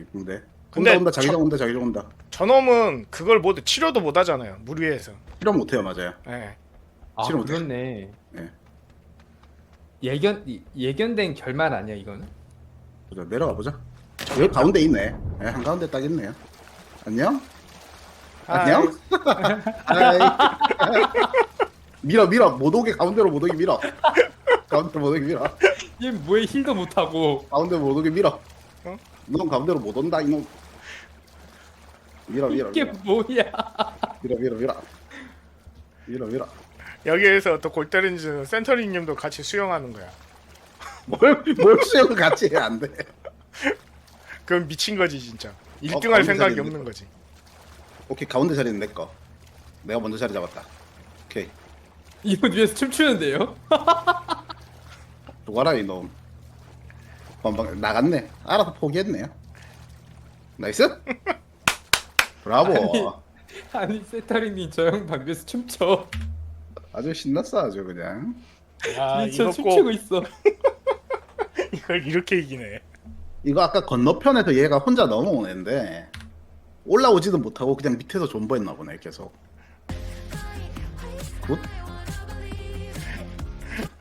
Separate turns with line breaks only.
근데
온다 자기장 온다 자기장 온다.
저놈은 그걸 못 치료도 못 하잖아요. 물 위에서.
실험 못해요 맞아요.
예.
아
싫어 못해.
그렇네.
예.
예견된 결말 아니야 이거는?
보자 내려가 보자. 여기 가운데 있네. 예, 한 가운데 딱 있네요. 안녕? 안녕? 아이. 밀어 못 오게 가운데로 못 오게 밀어. 가운데로 못 오게 밀어.
얘 뭐에 힐도 못하고.
가운데로 못 오게 밀어.
어?
넌 가운데로 못 온다 이놈. 밀어
이게 뭐야?
밀어.
여기에서 또 골 때리는 센터링님도 같이 수영하는 거야.
뭘 수영 같이 해 안 돼.
그건 미친 거지 진짜. 1등 할
가운데
생각이
자리
없는 거지.
오케이 가운데 자리는 내 거. 내가 먼저 자리 잡았다. 오케이.
이분 위에서 춤추는데요?
누가라 이놈. 건방 나갔네. 알아서 포기했네요. 나이스. 브라보.
아니 세타링님 저 형 방비에서 춤춰.
아주 신났어 아주 그냥.
야
진짜
이거
춤추고
꼭
있어.
이걸 이렇게 이기네.
이거 아까 건너편에서 얘가 혼자 넘어오는데 올라오지도 못하고 그냥 밑에서 존버했나 보네 계속. 굿.